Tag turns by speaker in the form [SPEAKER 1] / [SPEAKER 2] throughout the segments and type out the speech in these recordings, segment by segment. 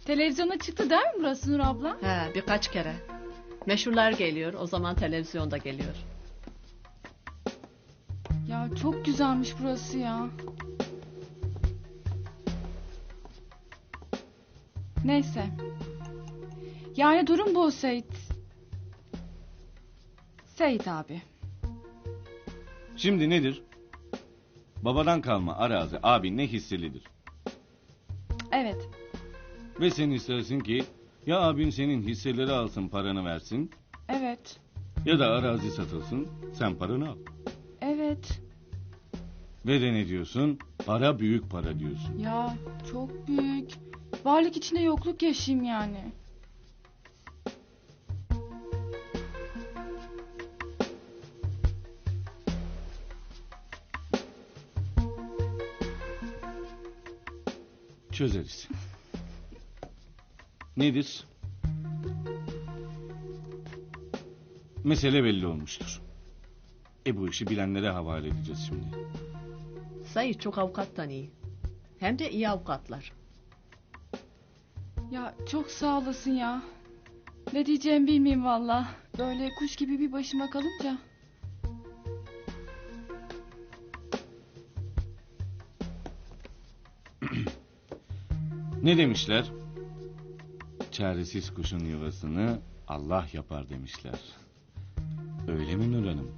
[SPEAKER 1] Televizyona çıktı değil mi burası Nur abla?
[SPEAKER 2] He, birkaç kere. Meşhurlar geliyor, o zaman televizyonda geliyor.
[SPEAKER 1] Ya çok güzelmiş burası ya. Neyse. Yani durum bu Seyit. Seyit abi.
[SPEAKER 3] Şimdi nedir? Babadan kalma arazi abinle hisselidir.
[SPEAKER 1] Evet.
[SPEAKER 3] Ve sen istersin ki ya abin senin hisseleri alsın paranı versin
[SPEAKER 1] Evet.
[SPEAKER 3] ya da arazi satılsın sen paranı al.
[SPEAKER 1] Evet.
[SPEAKER 3] Ve de ne diyorsun? Para büyük para diyorsun.
[SPEAKER 1] Ya çok büyük. Varlık içinde yokluk yaşayayım yani.
[SPEAKER 3] Çözeriz. Nedir? Mesele belli olmuştur. Bu işi bilenlere havale edeceğiz şimdi.
[SPEAKER 2] Sayı çok avukattan iyi. Hem de iyi avukatlar.
[SPEAKER 1] Ya çok sağ olasın ya. Ne diyeceğimi bilmeyeyim valla. Böyle kuş gibi bir başıma kalınca.
[SPEAKER 3] Ne demişler? Çaresiz kuşun yuvasını Allah yapar demişler. Öyle mi Nur Hanım?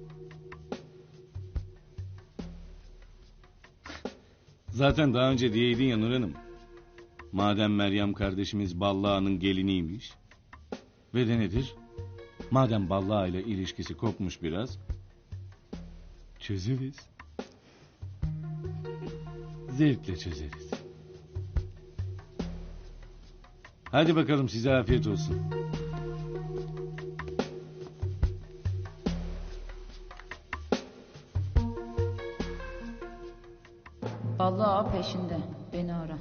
[SPEAKER 3] Zaten daha önce diyeydin ya Nur Hanım. Madem Meryem kardeşimiz Ballağa'nın geliniymiş. Ve de nedir? Madem Ballağa ile ilişkisi kopmuş biraz. Çözeriz. Zevkle çözeriz. Hadi bakalım size afiyet olsun.
[SPEAKER 4] Vallahi peşinde. Beni ara.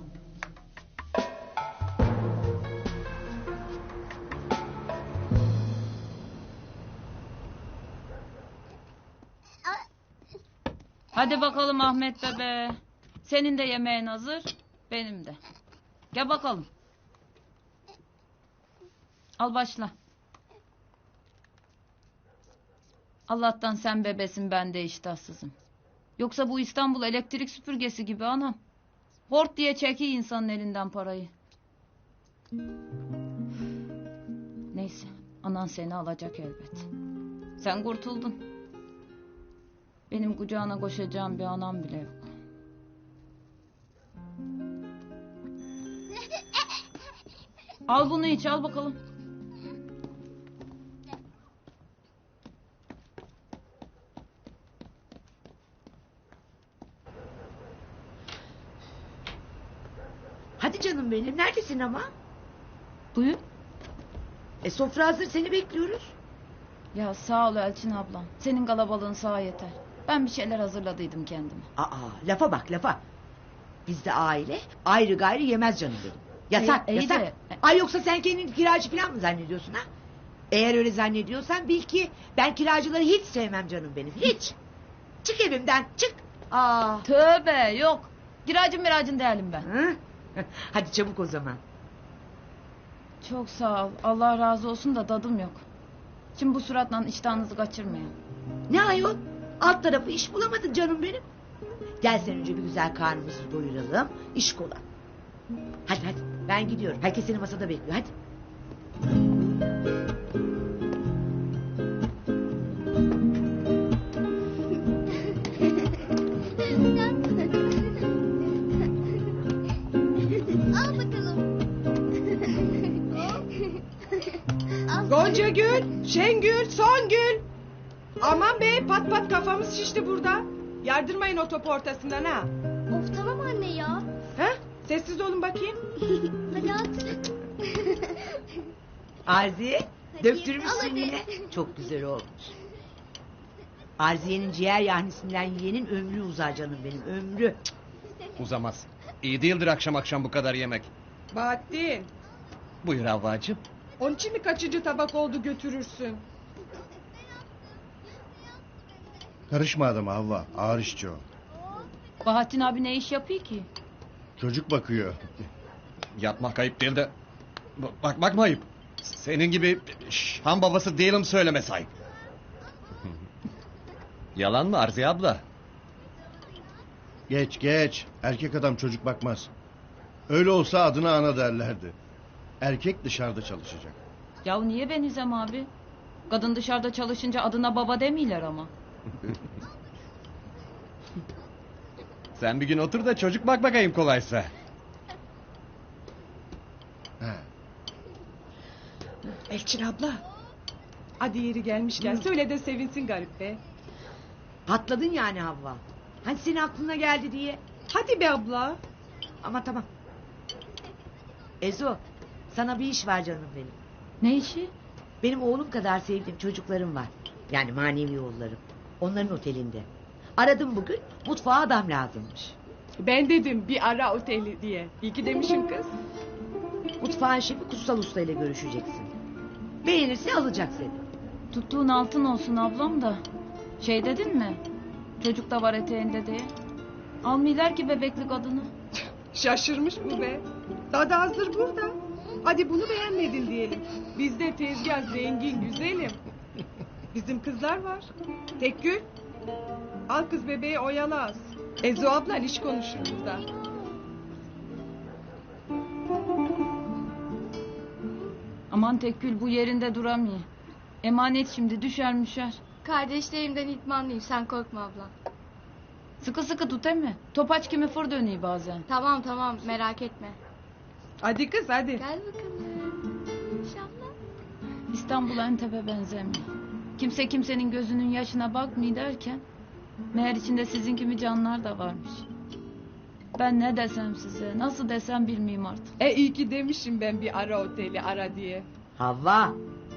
[SPEAKER 4] Hadi bakalım Ahmet bebe. Senin de yemeğin hazır, benim de. Gel bakalım. Al başla. Allah'tan sen bebesin, ben de iştahsızım. Yoksa bu İstanbul elektrik süpürgesi gibi anam. Hort diye çekiyor insanın elinden parayı. Neyse, anan seni alacak elbet. Sen kurtuldun. Benim kucağına koşacağım bir anam bile yok. Al bunu iç, al bakalım.
[SPEAKER 5] Hadi canım benim, neredesin ama?
[SPEAKER 4] Buyur.
[SPEAKER 5] Sofra hazır, seni bekliyoruz.
[SPEAKER 4] Ya sağ ol Elçin ablam. Senin kalabalığın sağ yeter. Ben bir şeyler hazırladıydım kendime.
[SPEAKER 5] Lafa bak lafa. Bizde aile ayrı gayrı yemez canım benim. Yasak
[SPEAKER 4] İyi
[SPEAKER 5] yasak.
[SPEAKER 4] de-
[SPEAKER 5] Ay yoksa sen kendini kiracı falan mı zannediyorsun ha? Eğer öyle zannediyorsan bil ki ben kiracıları hiç sevmem canım benim, hiç. Çık evimden, çık.
[SPEAKER 4] Tövbe, yok. Kiracın miracın değilim ben.
[SPEAKER 5] Hı? Hadi çabuk o zaman.
[SPEAKER 4] Çok sağ ol. Allah razı olsun da tadım yok. Şimdi bu suratla iştahınızı kaçırmayın.
[SPEAKER 5] Ne ayol? Alt tarafı iş bulamadın canım benim. Gel sen önce bir güzel karnımızı doyuralım. İş kola. Hadi ben gidiyorum. Herkes seni masada bekliyor, hadi.
[SPEAKER 6] Al bakalım.
[SPEAKER 7] Gonca Gül, Şengül, Songül. Aman be, pat pat kafamız şişti burada. Yardırmayın o topu ortasından ha.
[SPEAKER 6] Of tamam anne ya.
[SPEAKER 7] Ha? Sessiz olun bakayım.
[SPEAKER 6] Hadi at.
[SPEAKER 5] Arziye,
[SPEAKER 6] Hadi,
[SPEAKER 5] döktürmüşsün
[SPEAKER 6] al hadi.
[SPEAKER 5] yine. Çok güzel olmuş. Arziye'nin ciğer yahnisinden yiyenin ömrü uzar canım benim, ömrü.
[SPEAKER 8] Uzamaz. İyi değildir akşam akşam bu kadar yemek.
[SPEAKER 7] Bahattin,
[SPEAKER 8] Buyur Havvacığım.
[SPEAKER 7] onun için mi kaçıncı tabak oldu götürürsün?
[SPEAKER 9] Karışma adama Havva. Ağır işçi o.
[SPEAKER 4] Bahattin abi ne iş yapıyor ki?
[SPEAKER 9] Çocuk bakıyor.
[SPEAKER 8] Yatmak ayıp değil de bakmak mı ayıp? Senin gibi han babası değilim söyleme sahip. Yalan mı Arziye abla?
[SPEAKER 9] Geç geç. Erkek adam çocuk bakmaz. Öyle olsa adına ana derlerdi. Erkek dışarıda çalışacak.
[SPEAKER 4] Ya niye ben İzem abi? Kadın dışarıda çalışınca adına baba demiyorlar ama.
[SPEAKER 8] Sen bir gün otur da çocuk bak bakayım kolaysa.
[SPEAKER 9] Ha.
[SPEAKER 7] Elçin abla. Hadi yeri gelmişken söyle de sevinsin garip be.
[SPEAKER 5] Patladın yani Havva. Hani senin aklına geldi diye.
[SPEAKER 7] Hadi be abla.
[SPEAKER 5] Ama tamam. Ezo, sana bir iş var canım benim.
[SPEAKER 4] Ne işi?
[SPEAKER 5] Benim oğlum kadar sevdiğim çocuklarım var. Yani manevi oğullarım. Onların otelinde. Aradım bugün, mutfağa adam lazımmış.
[SPEAKER 7] Ben dedim bir ara oteli diye. İyi ki demişim kız.
[SPEAKER 5] Mutfağın şefi Kutsal Usta ile görüşeceksin. Beğenirse alacak seni.
[SPEAKER 4] Tuttuğun altın olsun ablam da. Şey dedin mi? Çocuk da var eteğinde diye. Almıyorlar ki bebeklik adını.
[SPEAKER 7] Şaşırmış bu be. Dadı hazır burada. Hadi bunu beğenmedin diyelim. Bizde tezgah zengin güzelim. Bizim kızlar var. Tekgül. Al kız bebeği oyala az. Ezo ablan iş konuşur burada.
[SPEAKER 4] Aman Tekgül bu yerinde duramıyor. Emanet şimdi düşer müşer.
[SPEAKER 6] Kardeşlerimden itmanlıyım sen korkma abla.
[SPEAKER 4] Sıkı sıkı tut emi. Topaç kimi fır dönüyor bazen.
[SPEAKER 6] Tamam tamam merak etme.
[SPEAKER 7] Hadi kız hadi.
[SPEAKER 6] Gel bakalım. İnşallah.
[SPEAKER 4] İstanbul Entep'e benzemiyor. Kimse kimsenin gözünün yaşına bakmıyor derken... meğer içinde sizin gibi canlar da varmış. Ben ne desem size, nasıl desem bilmiyorum artık.
[SPEAKER 7] İyi ki demişim ben bir ara oteli ara diye.
[SPEAKER 5] Havva.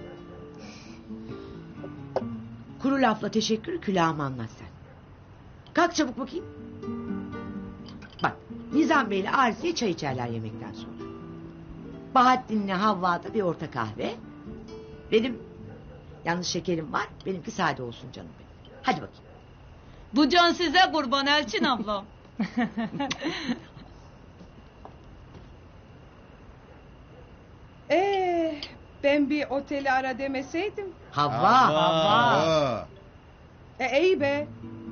[SPEAKER 5] Kuru lafla teşekkür külahımı anlat sen. Kalk çabuk bakayım. Bak Nizam Bey'le Arziye çay içerler yemekten sonra. Bahattin'le Havva'da bir orta kahve. Benim yalnız şekerim var. Benimki sade olsun canım benim. Hadi bakayım.
[SPEAKER 4] Bu can size kurban Elçin ablam.
[SPEAKER 7] Ben bir oteli ara demeseydim.
[SPEAKER 5] Havva.
[SPEAKER 9] Aa.
[SPEAKER 7] İyi be.